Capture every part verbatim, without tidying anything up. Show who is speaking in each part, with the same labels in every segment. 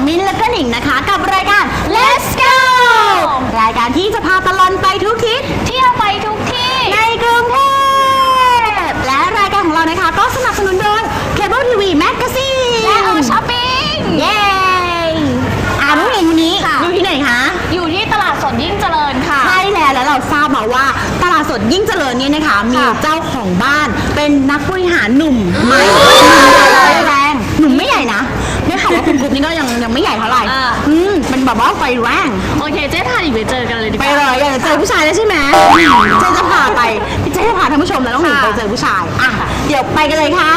Speaker 1: มิ้นและก็หนิงนะคะกับรายการ Let's Go รายการที่จะพาตลอดไปทุกทิศเที่ยวไปทุกที่ในกรุงเทพและรายการของเรานะคะก็สนับสนุนโดย Cable ที วี Magazine
Speaker 2: และ All Shopping
Speaker 1: เย้อ่าน้องหนิงวันนี้อยู่ที่ไหนคะ
Speaker 2: อยู่ที่ตลาดสดยิ่งเจริญค่ะ
Speaker 1: ใช่แล้วแล้วเราทราบมาว่าตลาดสดยิ่งเจริญเนี่ยนะคะมีเจ้าของบ้านเป็นนักบริหารหนุ่มไม่แรงหนุ่มไม่ใหญ่นะเนี่ยค่ะว่าคุณกรุ๊ปนี่ก็ยังยังไม่ใหญ่เท่าไหร่อืมเป็นแบบว่าไฟแรง
Speaker 2: โอเคเจ๊พาหนิงไปเจอกันเลยดีกว่า
Speaker 1: ไปเลยอยากจะเจอผู้ชายแล้วใช่ไหมเจ๊จะพาไปเจ๊จะพาท่านผู้ชมแล้วต้องหนิงไปเจอผู้ชายอ่ะเดี๋ยวไปกันเลยค่ะ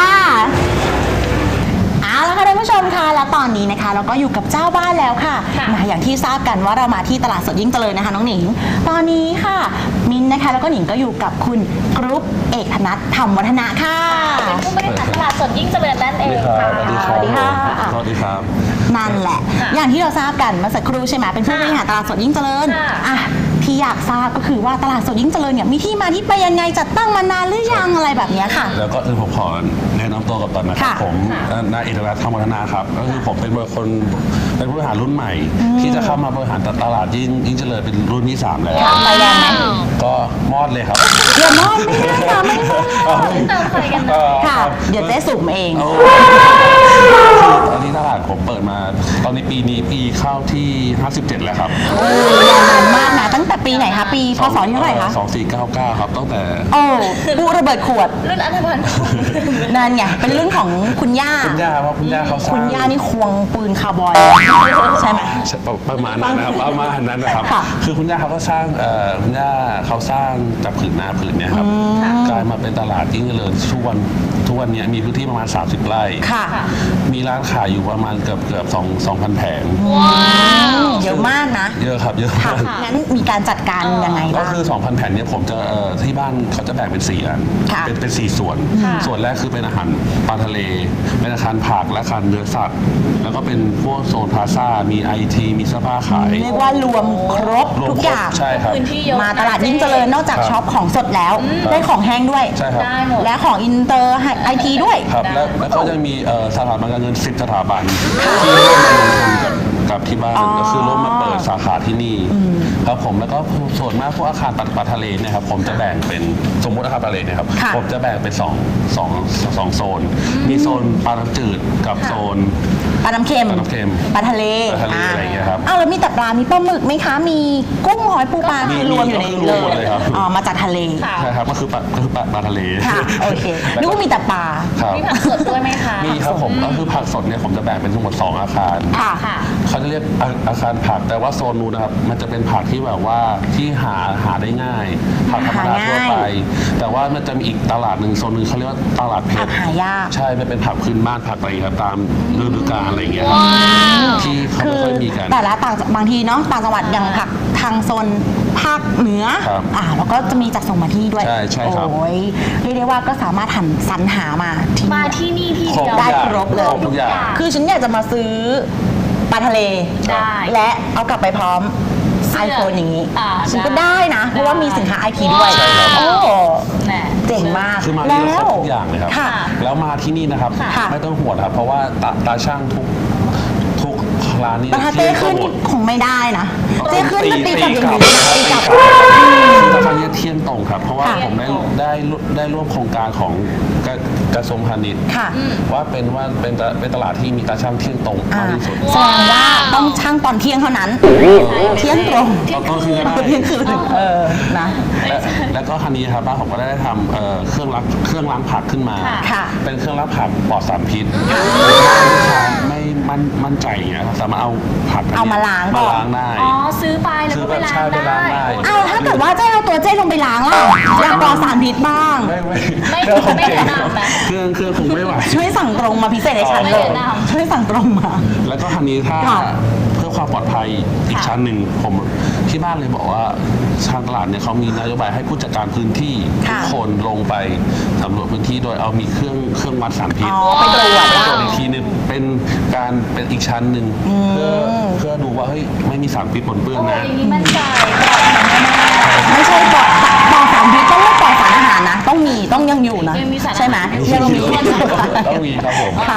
Speaker 1: เอาละค่ะท่านผู้ชมค่ะแล้วตอนนี้นะคะเราก็อยู่กับเจ้าบ้านแล้วค่ะมาอย่างที่ทราบกันว่าเรามาที่ตลาดสดยิ่งเจริญนะคะน้องหนิงตอนนี้ค่ะมินนะคะแล้วก็หนิงก็อยู่กับคุณกรุ๊ปเอกธนัทธรรมวัฒนะค่ะ
Speaker 2: เป็นผู้บริหารตลาดสดยิ่งเจริญนั่นเองค่ะ
Speaker 3: สวัสดีครับสวัสดีครับสวัสดีครับ
Speaker 1: นั่นแหละอย่างที่เราทราบกันเมื่อสักครู่ใช่ไหมเป็นผู้บริหารตลาดสดยิ่งเจริญอ่ะที่อยากทราบก็คือว่าตลาดสดยิ่งเจริญเนี่ยมีที่มาที่ไปยังไงจัดตั้งมานานหรือยังอะไรแบบนี้ค่ะ
Speaker 3: แล้วก็คือผมขอแนะนำตัวกับตอนนะครับผมนายเอกธนัทธรรมวัฒนาครับก็คือผมเป็นคนเป็นผู้บริหารรุ่นใหม่ ที่จะเข้ามาบริหารตลาดยิ่งยิ่งเจริญเป็นรุ่นที่สามแล้ว
Speaker 1: ไปแรงไหม
Speaker 3: ก็มอดเลยครับ
Speaker 1: อย่ามอดไม่ได้ค่ะไม่ได้
Speaker 2: เติมไฟกัน
Speaker 1: ค่ะเดี๋ยวเจ๊สุ่มเอง
Speaker 3: ตอนนี้ตลาดผมเปิดมาตอนนี้ปีนี้ปีเข้าที่ห้าสิบเจ็ดแล้วครับ
Speaker 1: โอ้ยาวนานมากนะตั้งแต่ปีไหนคะปีพศที่เท่าไหร่คะ
Speaker 3: สองสี่เก้าเก้าครับตั้งแต่
Speaker 1: โอ้บูระเบิดขวด
Speaker 2: รุ่นอัธพันธ์
Speaker 1: นั่นไงเป็นรุ่นของคุณย่า
Speaker 3: คุณย่าเพราะคุณย่าเขาสร้าง
Speaker 1: คุณย่านี่ควงปืนคาร์บอยใช่ไหม
Speaker 3: ประมาณนั้นนะครับประมาณนั้นนะครับคือคุณย่าเขาก็สร้างคุณย่าเขาสร้างจากผืนนาผืนเนี้ยครับกลายมาเป็นตลาดยิ่งเจริญทุกวันทุกวันนี้มีพื้นที่ประมาณสามสิบไร่มีร้านขายอยู่ประมาณเกือบเกือบสองสองพันแผง
Speaker 1: เยอะมากนะ
Speaker 3: เยอะครับเยอะมาก
Speaker 1: งั้นมีการจัดการยังไง
Speaker 3: ก็คือสองพันแผ่นนี้ผมจะที่บ้านเขาจะแบ่งเป็นสี่อันเป็นเป็นสี่ส่วนส่วนแรกคือเป็นอาหารปลาทะเลเป็นอาคารผักและอาคารเนื้อสัตว์แล้วก็เป็นพวกโซนพลาซ่ามีไอทีมีเสื้อผ้าขาย
Speaker 1: เรียกว่ารวมครบทุกอย่าง
Speaker 3: ใช่ครับ
Speaker 1: มาตลาดยิ่งเจริญนอกจากช็อปของสดแล้วได้ของแห้งด้วย
Speaker 3: ใช่ครับ
Speaker 1: และของอินเตอร์ไอทีด้วย
Speaker 3: ครับแล้วแล้วก็จะมีสถาบันการเงินสิบสถาบันที่ร่วมมาลงทุนกับกับที่บ้านก็คือร่วมมาเปิดสาขาที่นี่ครับผมแล้วก็ส่วนมากพวกอาคารปลาทะเลเนี่ยครับผมจะแบ่งเป็นสมมติอาคารปลาทะเลเนี่ยครับผมจะแบ่งเป็นสองสองสองโซนมีโซนปลาน้ำจืดกับโซน
Speaker 1: ปลาน้ำเค็ม
Speaker 3: ปลาน้ำเค็ม
Speaker 1: ปลาทะเล
Speaker 3: ปลาทะเลอะไรอย่างเงี้ยครับ
Speaker 1: อ้าวแล้วมีแต่ปลามีปลาหมึกไหมคะมีกุ้งหอยปูปลาคือรวมอยู่ในนี้เลยอ๋อมาจากทะเล
Speaker 3: ใช่ครับก็คือปลาก็คือปลาปลาทะเล
Speaker 1: ค่ะโอเคนึกว่ามีแต่ปลา
Speaker 2: มีผักสดด้วยไหมคะ
Speaker 3: มีครับผมก็คือผักสดเนี่ยผมจะแบ่งเป็นทั้งหมดสองอาคาร
Speaker 1: ค่ะ
Speaker 3: เขาจะเรียกอาคารผักแต่ว่าโซนนู้นนะครับมันจะเป็นผักที่แบบว่าที่หาหาได้ง่ายผักธรรมดาทั่วไปแต่ว่ามันจะมีอีกตลาดหนึ่งโซนหนึ่งเขาเรียกว่าตลาดเพชร
Speaker 1: หายาก
Speaker 3: ใช่มันเป็นผักพื้นบ้านผักอะไรครับตามฤดูกาลอะไรอย่างเงี้ยครับที่เขาไม่ค่อยมีกัน
Speaker 1: แต่ละต่างบางทีเนาะต่างจังหวัดอย่างผักทางโซนภาคเหนืออ่าแล้วก็จะมีจัดส่งมาที่ด้วย
Speaker 3: ใช่ใช่ครับ
Speaker 1: โอ้ยเรียกได้ว่าก็สามารถหันสรรหามาที่
Speaker 2: มาที่นี่ที่เดียว
Speaker 1: ได้ครบเลย
Speaker 3: ทุกอย่าง
Speaker 1: คือฉันอยากจะมาซื้อปลาทะเลและเอากลับไปพร้อมไอโฟนอย่างนี้ฉันก็ได้นะเพราะว่ามีสินค้าไอทีด้วยโอ้เจ๋งมาก
Speaker 3: คือมาที่ครบทุกอย่างเลยครับแล้วมาที่นี่นะครับไม่ต้องห่วงครับเพราะว่าตาช่างทุกทุกร้านนี้
Speaker 1: ปลาเต้ขึ้นคงไม่ได้นะเต้ขึ้นตีกับอย่างนี้ตีกับ
Speaker 3: ตาช่างเนี่ยเที่ยงตรงครับเพราะว่าผมได้ได้ได้ร่วมโครงการของกระทรวงพาณิชย์ว่าเป็นว่าเป็นเป็นตลาดที่มีตาช่างเที่ยงตรงมากที่สุด
Speaker 1: แสดงว่าต้องช่างตอนเที่ยงเท่านั้นเที่ยงตรง
Speaker 3: ตอนคืนก็ได้
Speaker 1: เที่ยงคืนเออนะ
Speaker 3: แล้วก็คันนี้ครับบ้านผมก็ได้ทำเครื่องล้างเครื่องล้างผักขึ้นมาเป็นเครื่องล้างผักปลอดสารพิษไม่มั่นมั่นใจอย่างเงี้ยสามารถเอาผัก
Speaker 1: เอามาล้าง
Speaker 3: มาล้างได้
Speaker 2: อ๋อซื้อไปแล้วก็ไปล้างได้
Speaker 1: เอาถ้าเกิดว่าเจ๊เอาตัวเจ๊ลงไปล้างล่ะอยากปลอดสารพิษบ้าง
Speaker 3: ไม่ไม่
Speaker 2: ไม่แนะนำนะ
Speaker 3: เครื่องเครื่องคงไม่ไหว
Speaker 1: ช่วยสั่งตรงมาพิเศษในชั้นเลยช่วยสั่งตรงมา
Speaker 3: แล้วก็คันนี้ถ้าเพื่อความปลอดภัยอีกชั้นหนึ่งผมที่บ้านเลยบอกว่าทางตลาดเนี่ยเขามีนโยบายให้ผู้จัดการพื้นที่ทุกคนลงไปสำรวจพื้นที่โดยเอามีเครื่องเครื่องวัดสารพิษ
Speaker 1: ไปตรวจ
Speaker 3: ตรวจอีกทีนึงเป็นการเป็นอีกชั้นหนึ่งเพื่อเพื่อดูว่าเฮ้ยไม่มีสารพิษปนเปื้อนนะ
Speaker 2: มันใจ
Speaker 1: ไม่ใช่ปลอดปลอดสารพิษต้องไม่ปลอดสารอาหารนะต้องมีต้องยังอยู่นะใช่ไหม
Speaker 3: ยังมีต้องมีครับผม
Speaker 1: ค่ะเอา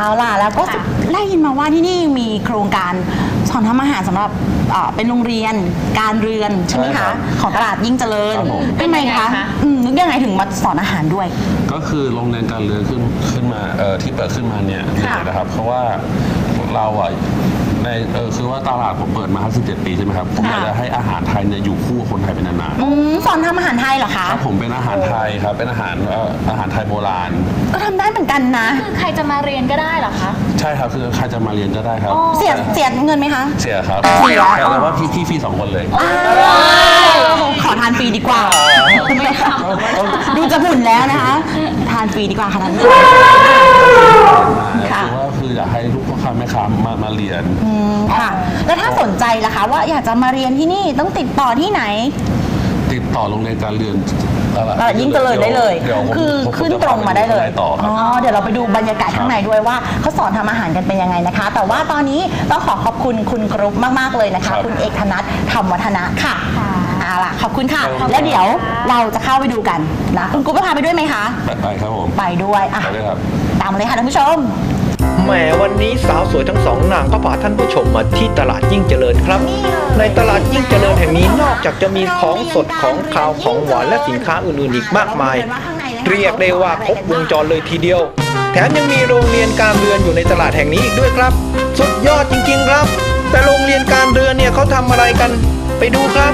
Speaker 1: เอาล่ะแล้วก็ได้ยินมาว่าที่นี่มีโครงการสอนทำอาหารสำหรับเอ่อเป็นโรงเรียนการเรือนใช่ไหม
Speaker 3: ใช่ครั
Speaker 1: คะ
Speaker 3: บ
Speaker 1: ของตลาดยิ่งเจริญ
Speaker 3: ครับผม
Speaker 1: เป็นไงคะอืมนึกยังไงถึงมาสอนอาหารด้วย
Speaker 3: ก็คือโรงเรียนการเรือนขึ้นขึ้นมาเอ่อที่เปิดขึ้นมาเนี่ย
Speaker 1: ค่ะ
Speaker 3: นะครับ เพราะว่าเราอ่ะในเออคือว่าตลาดผมเปิดมาห้าสิบเจ็ดปีใช่ไหมครับผมอยากจะให้อาหารไทยเนี่ยอยู่คู่กับคนไทยเป็นนานๆ
Speaker 1: อืมสอนทำอาหารไทยเหรอคะ
Speaker 3: ครับผมเป็นอาหารไทยครับเป็นอาหารเอ่ออาหารไทยโบราณ
Speaker 1: ก็ทำได้เหมือนกันนะ
Speaker 2: คือใครจะมาเรียนก็ได้เหรอคะ
Speaker 3: ใช่ครับคือใครจะมาเรียนก็ได้ครับ
Speaker 1: เสียเสียเงินไหมคะ
Speaker 3: เสียครับ
Speaker 1: เสีย
Speaker 3: แต่ว่าพี่พี่ฟรีสองคนเลย
Speaker 1: ขอทานฟรีดีกว่า ดูจะหุ่นแล้วนะคะ ทานฟรีดีกว่าค่ะท่านผู้ชม ค่ะ
Speaker 3: คือว่าคืออยากให้ลูกพ่อค้าแม่ค้ามามาเรียน
Speaker 1: อืมค่ะ แล้วถ้าสนใจล่ะคะ ว่าอยากจะมาเรียนที่นี่ต้องติดต่อที่ไหน
Speaker 3: ติดต่อโรงเรียนการเรียน
Speaker 1: ตลาดยิ่งเจริญได้เลย
Speaker 3: ดี๋วผม
Speaker 1: คือ
Speaker 3: ผม
Speaker 1: ขึ้น
Speaker 3: จะ
Speaker 1: ตรงมาได้เลย
Speaker 3: พปต่อค
Speaker 1: อ๋
Speaker 3: รั
Speaker 1: อบ เดี๋ยวเราไปดูบรรยากาศข้างในด้วยว่าเขาสอนทำอาหารกันเป็นยังไงนะคะ แต่ว่าตอนนี้ต้องขอขอบคุณคุณกรุ๊ปมากๆเลยนะคะ
Speaker 3: ครับ
Speaker 1: คุณเอกธนัทธรรมวัฒนะค่ะเอาล่ะขอบคุณค่ะ
Speaker 3: ครับ
Speaker 1: แล้วเดี๋ยวเราจะเข้าไปดูกันนะคุณกรุ๊ปจะพาไปด้วยไหมคะ
Speaker 3: ไปไปครับผม
Speaker 1: ไปด้วยอ่ะ
Speaker 3: ไปเลยครับ
Speaker 1: ตามมาเลยค่ะท่านผู้ชม
Speaker 4: แหมวันนี้สาวสวยทั้งสองนางก็พาท่านผู้ชมมาที่ตลาดยิ่งเจริญครับ ในตลาดยิ่งเจริญแห่งนี้นอกจากจะมีของสดของคาวของหวานและสินค้าอื่นๆอีกมากมาย เรียกได้ว่าครบวงจรเลยทีเดียว แถมยังมีโรงเรียนการเรือนอยู่ในตลาดแห่งนี้อีกด้วยครับ สุดยอดจริงๆครับ แต่โรงเรียนการเรือนเนี่ยเขาทำอะไรกัน ไปดูครับ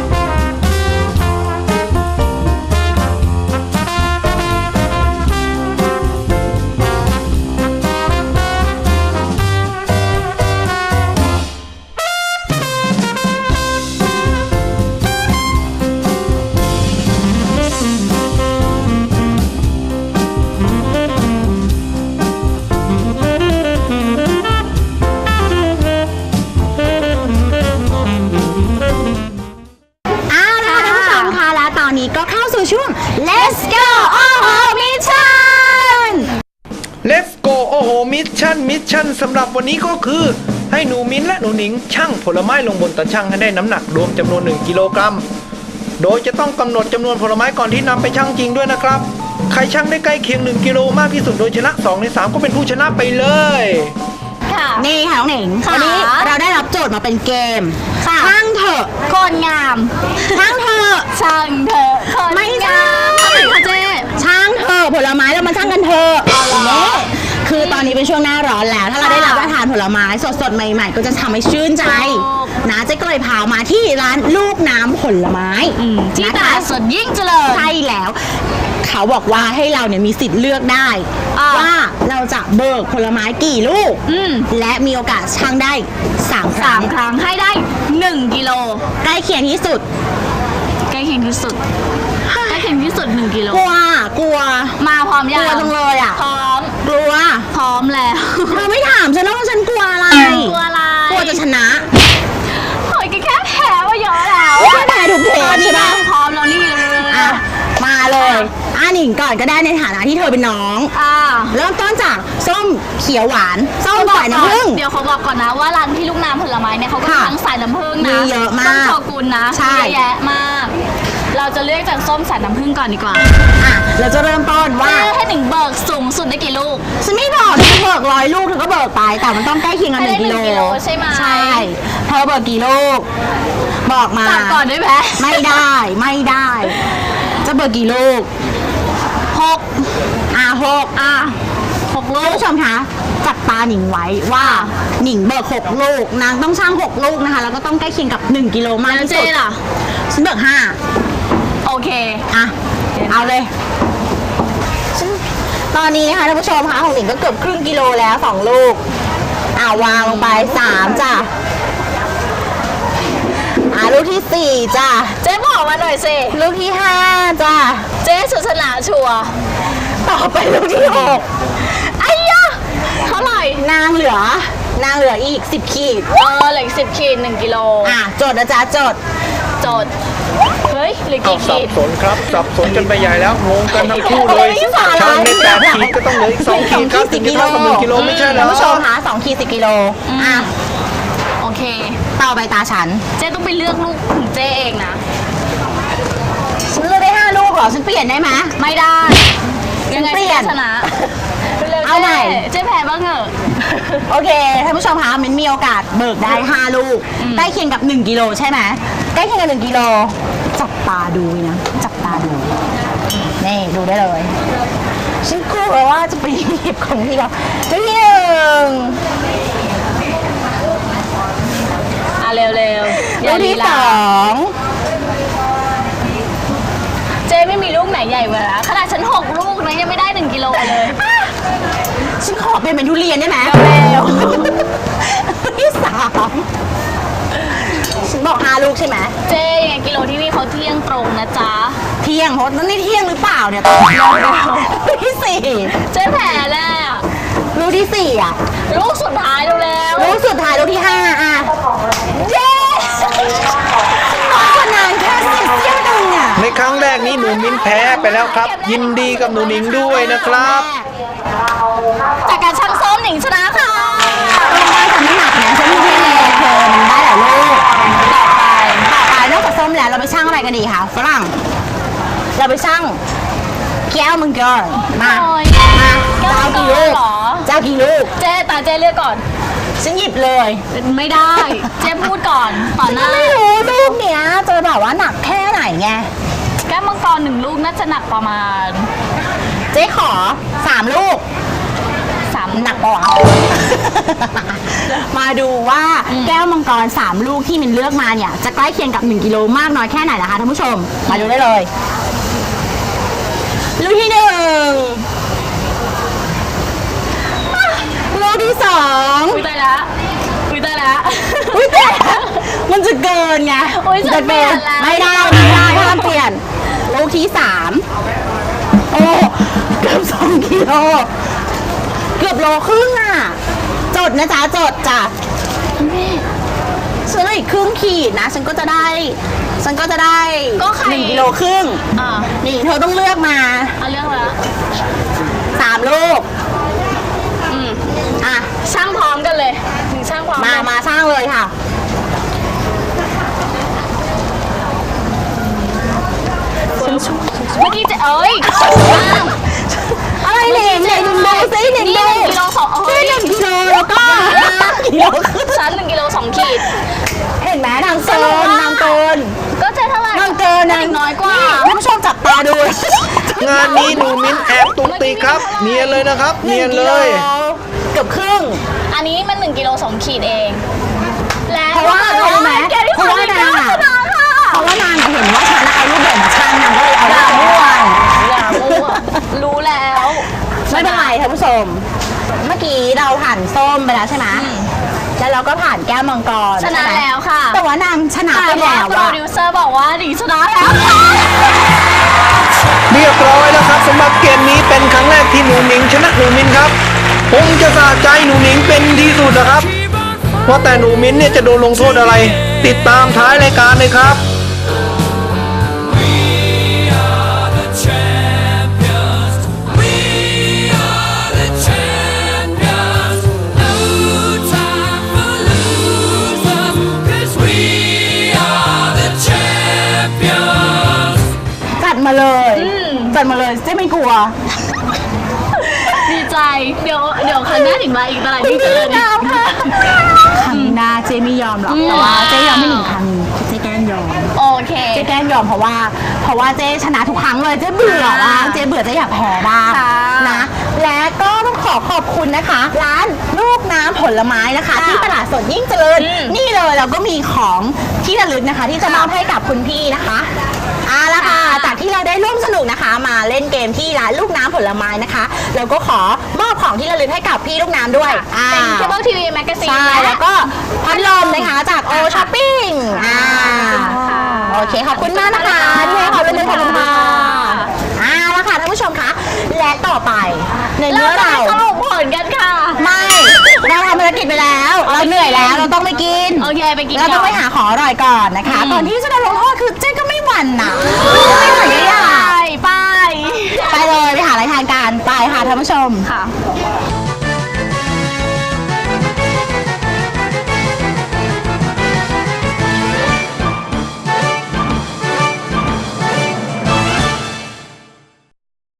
Speaker 1: เอาละค่ะท่านผู้ชมค่ะและตอนนี้ก็เข้าสู่ช่วง Let's go โอ้โหมิชชั่น
Speaker 4: Let's go โอ้โหมิชชั่นมิชชั่นสำหรับวันนี้ก็คือ ให้หนูมิ้นและหนูหนิงชั่งผลไม้ลงบนตะชั่งให้ได้น้ำหนักรวมจำนวนหนึ่งกิโลกรัมโดยจะต้องกำหนดจำนวนผลไม้ก่อนที่นำไปชั่งจริงด้วยนะครับใครชั่งได้ใกล้เคียงหนึ่งกิโลมากที่สุดโดยชนะสองในสามก็เป็นผู้ชนะไปเลย
Speaker 2: ค่ะ
Speaker 1: นี่ค่ะน้องหนิง
Speaker 2: ค่ะ
Speaker 1: วันนี้เราได้รับโจทย์มาเป็นเกม
Speaker 2: ค่ะ
Speaker 1: ช่างเถอะ
Speaker 2: คนงาม
Speaker 1: ช่างเถอะ
Speaker 2: ช่างเถอะคน
Speaker 1: ไม่ใช่
Speaker 2: งามทำไมคะเจ๊
Speaker 1: ช่างเถอะผลไม้เรามาช่างกันเถอะนี่คือตอนนี้เป็นช่วงหน้าร้อนแล้ว ถ้าเราได้รับประทานผลไม้สดๆใหม่ๆ ก็จะทำให้ชื่นใจนะเจ๊ก็เลยพามาที่ร้านลูกน้ำผลไม้
Speaker 2: ที่
Speaker 1: นะ
Speaker 2: ต
Speaker 1: คะ
Speaker 2: ลาดสดยิ่งเจริญ
Speaker 1: ใช่แล้ว เขาบอกว่าให้เราเนี่ยมีสิทธิ์เลือกได้
Speaker 2: อ่า
Speaker 1: ว่าเราจะเบิกผลไม้กี่ลูก
Speaker 2: อืม
Speaker 1: และมีโอกาสช่างได้สามค
Speaker 2: สา
Speaker 1: รั้ง
Speaker 2: มครั้งให้ได้หนึ่งกิโล
Speaker 1: ใกล้เคียงที่สุด
Speaker 2: ใกล้เคียงที่สุดใกล้เคียงที่สุดหนึ่งกิโล
Speaker 1: กลัวกลัว
Speaker 2: มาพร้อม
Speaker 1: ก
Speaker 2: ยั
Speaker 1: ลั
Speaker 2: ง
Speaker 1: วจังเลยอ่ะ
Speaker 2: พร้อม
Speaker 1: กลัว
Speaker 2: พร้อมแล้ว
Speaker 1: เธอไม่ถามฉันแล้วว่าฉันกลัวอะไร
Speaker 2: กลัวอะไร
Speaker 1: กลัวจะชนะ
Speaker 2: โอ้ยแค่แพ้ว่าเยอะแล้ว
Speaker 1: ไม่ใช่แพ้ทุกเพล
Speaker 2: ตอน
Speaker 1: ใช่
Speaker 2: นี้
Speaker 1: ปะ
Speaker 2: พร้อมแล้วนี่เลย
Speaker 1: อ่ะมาเลยอ่ะหนิงก่อนก็ได้ในฐานะที่เธอเป็นน้อง
Speaker 2: อ่า
Speaker 1: เริ่มต้นจากส้มเขียวหวานส้ม
Speaker 2: บอ
Speaker 1: สาก ย
Speaker 2: ก่อ
Speaker 1: น้ำผึ้ง
Speaker 2: เดี๋ยวเขาบอกก่อนนะว่าร้านพี่ลูกน้ำผลไม้เนี่ยเขาก็
Speaker 1: ค่ะ
Speaker 2: ทั้งสายน้ำผึ้งนะ
Speaker 1: มีเยอะมาก
Speaker 2: ต้องขอบคุณนะ
Speaker 1: ใช่
Speaker 2: เยอะแยะมาก เราจะเลือกจากส้มสายน้ำผึ้งก่อนดีกว่า
Speaker 1: อ่ะเราจะเริ่มต้นว่า
Speaker 2: ให้หนึ่งเบิกสูงสุดได้กี่ลูก
Speaker 1: ฉันไม่บอกเธอเบิกร้อยลูกเธอก็เบิกไปแต่มันต้องใกล้เคียงกันหนึ่ง
Speaker 2: ให้
Speaker 1: กิ
Speaker 2: ได้
Speaker 1: โล
Speaker 2: หนึ่งกิโลใช่ไหม
Speaker 1: ใช่เธอเบิกกี่ลูก บอกมา
Speaker 2: จับก่อนได้ไหม
Speaker 1: ไม่ได้ไม่ได้ จะเบิกกี่ลูก
Speaker 2: หก
Speaker 1: อ่ะหก
Speaker 2: อ่ะหกลู
Speaker 1: ท่าน
Speaker 2: ก
Speaker 1: ผู้ชมคะจับตาหนิงไว้ว่าหนิงเบิกหกลูกนางต้องช่างหกลูกนะคะ แล้วก็ต้องใกล้เคียงกับหนึ่งกิโลมาก
Speaker 2: แล้ว
Speaker 1: ที่
Speaker 2: เจ๊
Speaker 1: สุด
Speaker 2: ล่ะ
Speaker 1: ฉันเบิกห้า
Speaker 2: โอเค
Speaker 1: อ่ะเอาเลยฉันตอนนี้นะคะท่านผู้ชมคะของหนิงก็เกือบครึ่งกิโลแล้วสองลูกอ่าวางลงไปสามจ้ะอ่าลูกที่สี่จ้ะ
Speaker 2: เจ๊บอกมาหน่อยสิ
Speaker 1: ลูกที่ห้าจ้ะ
Speaker 2: เจ๊สุดชนะชัวร์
Speaker 1: ต่อไปลูกที่หกไอ้ยะ
Speaker 2: เท่าไหร่
Speaker 1: นางเหลือนางเหลืออีกสิบขีด
Speaker 2: เออเหลือสิบขีดหนึ่งกิโล
Speaker 1: อ่ะจดนะจ๊ะจด
Speaker 2: จด เฮ้ยเหลือ
Speaker 4: เอา
Speaker 2: กี่
Speaker 4: สั
Speaker 2: ขี
Speaker 4: บ
Speaker 2: ด
Speaker 4: สนครับสับสนกันไปใหญ่แล้วงงกันทั้งคู่เลย
Speaker 1: ไม่สาระ
Speaker 4: ช่างได้แปดขีดก็ต้องเหลืออีกสองขีดครับถึงจะเท่ากับหนึ่งกิโลไม่ใช่เหร
Speaker 1: ท่า
Speaker 4: อน
Speaker 1: ผู้ชมคะสองขีดสิบกิโลอ่ะ
Speaker 2: โอเค
Speaker 1: ต่อไปตาฉัน
Speaker 2: เจ๊ต้องไปเลือกลูกของเจ๊เองนะ
Speaker 1: ฉันเลือกได้ห้าลูกเหรอฉันเปลี่ยนได้ไหม
Speaker 2: ไม่ได้ ยังไง
Speaker 1: เปลี่
Speaker 2: เจ๊
Speaker 1: ยน
Speaker 2: ชนะเร็วๆ
Speaker 1: เอาใหม่
Speaker 2: เจ๊แพ้บ้างเหอะ
Speaker 1: โอเคท่านผู้ชมคะมันมีโอกาสเบิกได้ห้าลูกใกล้เคียงกับหนึ่งกิโลใช่ไหมใกล้เคียงกับหนึ่งกิโลจับตาดูนะจับตาดูนี่ดูได้เลยฉันกลัวว่าจะไปหยิบของที่เราที่หนึ่ง
Speaker 2: อ่ะเร็วๆ
Speaker 1: ลูกที่สอง
Speaker 2: เจ๊ไม่มีลูกไหนใหญ่กว่านะขนาดฉันหกลูกนะยังไม่ได้หนึ่งกิโลเลย
Speaker 1: ฉันขอเป็นเหมือนทุเรียนได้ไหมเร็วลูกที่สามฉันบอกห้าลูกใช่ไหม
Speaker 2: เจ๊ยังไงกิโลที่นี่เขาเที่ยงตรงนะจ๊ะ
Speaker 1: เที่ยงเพราะนี่เที่ยงหรือเปล่าเนี่ยตอนนี้ลูกที่สี่
Speaker 2: เจ๊แพ้แล้ว
Speaker 1: ลูกที่สี่อ่ะ
Speaker 2: ลูกสุดท้ายเร็ว
Speaker 1: ลูกสุดท้ายลูกที่ห้าอ่ะเย้น้อยกว่านานแค่เสี้ยวหนึ่งอ่ะ
Speaker 4: ในครั้งแรกนี้หนูมิ้นแพ้ไปแล้วครับ ยินดีกับหนูหนิงด้วยนะครับ
Speaker 2: ๆจากการช่างส้มหนิงชนะค่ะ
Speaker 1: ไม่ทำไม่หนักนะฉันมีเพียงเลยเธอมันได้หลายลูกต่อไปต่อไปนอกจากส้มแล้วเราไปช่างอะไรกันดีคะฝรั่งเราไปช่างแก้วมังกรมา
Speaker 2: โอ้ย
Speaker 1: มา
Speaker 2: แก้วมั
Speaker 1: เจ้าง
Speaker 2: กร
Speaker 1: กี่ลูก
Speaker 2: เหรอ
Speaker 1: เจ้ากี่ลูก
Speaker 2: เจ๊ตาเจ๊เลือกก่อน
Speaker 1: ฉันหยิบเลย
Speaker 2: ไม่ได้ เจ๊พูดก่อนต่อหน้า
Speaker 1: ไม่รู้ลูกเนี้ยจะแบบว่าหนักแค่ไหนไง
Speaker 2: แก้วมังกรหนึ่งลูกน่าจะหนักประมาณ
Speaker 1: เจ๊ขอสามลูก
Speaker 2: สาม
Speaker 1: หนักปะวะ มาดูว่าแก้วมังกรสามลูกที่มินเลือกมาเนี่ยจะใกล้เคียงกับหนึ่งกิโลมากน้อยแค่ไหนนะคะท่านผู้ชม มาดูได้เลย ลูกที่หนึ่งอ่ะลูกที่สอง
Speaker 2: อุ้ยตายละอุ้ยตายละ
Speaker 1: อุ้ยแต่มันจะเกินไง
Speaker 2: อุ๊ยฉัน
Speaker 1: จะเกิน
Speaker 2: เปลี่
Speaker 1: ไม่
Speaker 2: ยนแล้ว
Speaker 1: ได้ไม่ได้ห้ามเปลี่ยน ลูกที่สามโอ้เกือบสองกิโลเกือบโลครึ่งอ่ะ จดนะจ๊ะจดจ้ะฉันเหลืออีกครึ่งขีดนะ ฉันก็จะได้ ฉันก็จะได้
Speaker 2: ก็ใคร
Speaker 1: หนึ่งกิโลครึ่ง
Speaker 2: อ่า
Speaker 1: นี่เธอต้องเลือกมา
Speaker 2: เอาเรื่องแล้ว
Speaker 1: สามลูก
Speaker 2: อืม
Speaker 1: อ่ะ
Speaker 2: ช่างพร้อมกันเลยหนึ่งช่างพร้อม
Speaker 1: มา
Speaker 2: กัน
Speaker 1: มาสร้างเลยค่ะ
Speaker 2: เมื่อกี้เจะเอ้ย
Speaker 1: อะไรหนิงหนิงดูซิหนิง
Speaker 2: นี่
Speaker 1: ดู
Speaker 2: หนึ่งกิโลสองเอ้ย
Speaker 1: นี่หนึ่งกิโลแล้วก็ห้ากิโลครึ่ง
Speaker 2: ฉันหนึ่งกิโลสองขีด
Speaker 1: เห็นไหมนางเกินนางเกิน
Speaker 2: ก็เจ๊เท่าไหร่
Speaker 1: นางเกินนาง
Speaker 2: น้อยกว่า
Speaker 1: ท่านผู้ชมจับตาดู
Speaker 4: งานนี้หนูมิ้นแอบตุกติกครับ เนียนเลยนะครับ เนียนเลย
Speaker 1: เกือบครึ่ง
Speaker 2: อันนี้มันหนึ่งกิโลสองขีดเอง และ
Speaker 1: เพราะว่าอะไรรู้ไหม
Speaker 2: แกที่
Speaker 1: เพราะว่านางอะ
Speaker 2: ชนะค่ะ
Speaker 1: เพราะว่านางเห็นว่าฉันเอารูปแบบมาช่างนางก็เลยเอา
Speaker 2: อย่า
Speaker 1: รูป
Speaker 2: มั่ว
Speaker 1: แบบ
Speaker 2: อย่ามั่วรู้แล้ว
Speaker 1: ไม่เป็นไรท่านผู้ชม เมื่อกี้เราผ่านส้มไปแล้วใช่ไหมแล้วเราก็ผ่านแก้วมังกร
Speaker 2: ชนะ
Speaker 1: ใไหม
Speaker 2: แล้วค่ะ
Speaker 1: แต่ว่านางชนะ
Speaker 2: แต่
Speaker 1: ไป
Speaker 2: ว่า
Speaker 1: แล้ว
Speaker 2: โปร
Speaker 1: อะ
Speaker 2: ดิวเซอร์บอกว่าหนิงชนะแล้วค่ะ
Speaker 4: เรียบร้อยแล้วครับสำหรับเกมนี้เป็นครั้งแรกที่หนูหนิงชนะหนูมิ้นครับคงจะสะใจหนูหนิงเป็นที่สุดนะครับว่าแต่หนูมิ้นเนี่ยจะโดนลงโทษอะไร ติดตามท้ายรายการเลยครับ
Speaker 1: จัดมาเลยจัดมาเลยเจ๊ไม่กลัว
Speaker 2: ดีใจ เดี๋ยวเดี๋ยวครั้งหน้าถึงมาอีกตลาดที่เจริญ
Speaker 1: ไม่เอาค่ะ ครั้งหน้าเจ๊ไม่ยอมหรอก แต่ว่าเจ๊ยอมไม่หนึ่งครั้งเจ๊แกล้งยอม
Speaker 2: โอเค
Speaker 1: เจ๊แกล้งยอมเพราะว่า เพราะว่าเจ๊ชนะทุกครั้งเลยเจ๊เบื่อว่างเจ๊เบื่อเจ๊อยากแพ้บ้าง
Speaker 2: ค่ะ
Speaker 1: นะ และก็ต้องขอขอบคุณนะคะ ร้านลูกน้ำผลไม้นะคะ
Speaker 2: ค่ะ
Speaker 1: ที่ตลาดสดยิ่งเจริญ
Speaker 2: อืม
Speaker 1: นี่เลยเราก็มีของที่ระลึกนะคะ ที่จะมอบให้กับคุณพี่นะคะเอาละค่ะ
Speaker 2: ค่ะ
Speaker 1: จากที่เราได้ร่วมสนุกนะคะ มาเล่นเกมที่ร้านลูกน้ำผลไม้นะคะเราก็ขอมอบของที่ระลึกให้กับพี่ลูกน้ำด้วยอ่า
Speaker 2: เป็นเคเบิลทีวีแมกกาซีน
Speaker 1: ใช่แล้วก็พัดลมนะคะจากโอช้อปปิ้งอ่าโอเคขอบคุณมากนะคะที่ให้ความร่วมมือขอบคุณค่ะอ่าแล้วค่ะท่านผู้ชมคะและต่อไปใน
Speaker 2: เรา
Speaker 1: เมื่อ
Speaker 2: จะ
Speaker 1: เรา
Speaker 2: ไปสรุปผลกันค่ะ
Speaker 1: ไม่เราทำภารกิจไปแล้ว เราเหนื่อยแล้วเราต้องไปกิน
Speaker 2: โอเคไปกิน
Speaker 1: เราต้องไป
Speaker 2: ก่น
Speaker 1: หาของอร่อยก่อนนะคะ
Speaker 2: อืม
Speaker 1: ก่อนที่จะโดนลงโทษคือเจ๊ก็ไม่หวั่นนะไม่หวั่นก็อยาก
Speaker 2: ไป
Speaker 1: ไปเลยไปหาอะไรทานกันไปค่ะท่านผู้ชม
Speaker 2: ค่ะ